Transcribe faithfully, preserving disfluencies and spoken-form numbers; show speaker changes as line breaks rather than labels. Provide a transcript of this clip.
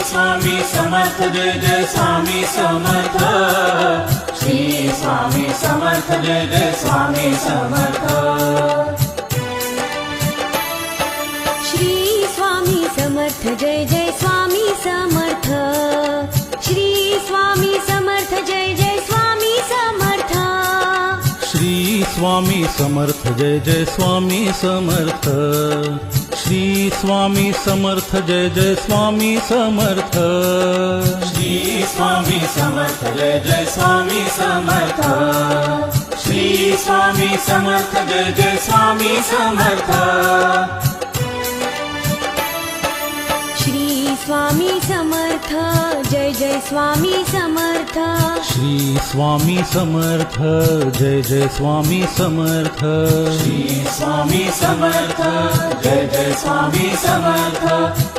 स्वामी समर्थ जय जय स्वामी समर्थ श्री स्वामी समर्थ जय जय स्वामी समर्थ
श्री स्वामी समर्थ जय जय स्वामी समर्थ श्री स्वामी समर्थ जय जय स्वामी समर्थ
श्री स्वामी समर्थ जय जय स्वामी समर्थ श्री स्वामी समर्थ जय जय स्वामी समर्थ
श्री स्वामी समर्थ जय जय स्वामी समर्थ श्री स्वामी समर्थ जय जय स्वामी समर्थ
श्री स्वामी समर्थ जय जय स्वामी समर्थ
श्री स्वामी समर्थ जय जय स्वामी समर्थ
श्री स्वामी समर्थ जय जय स्वामी समर्थ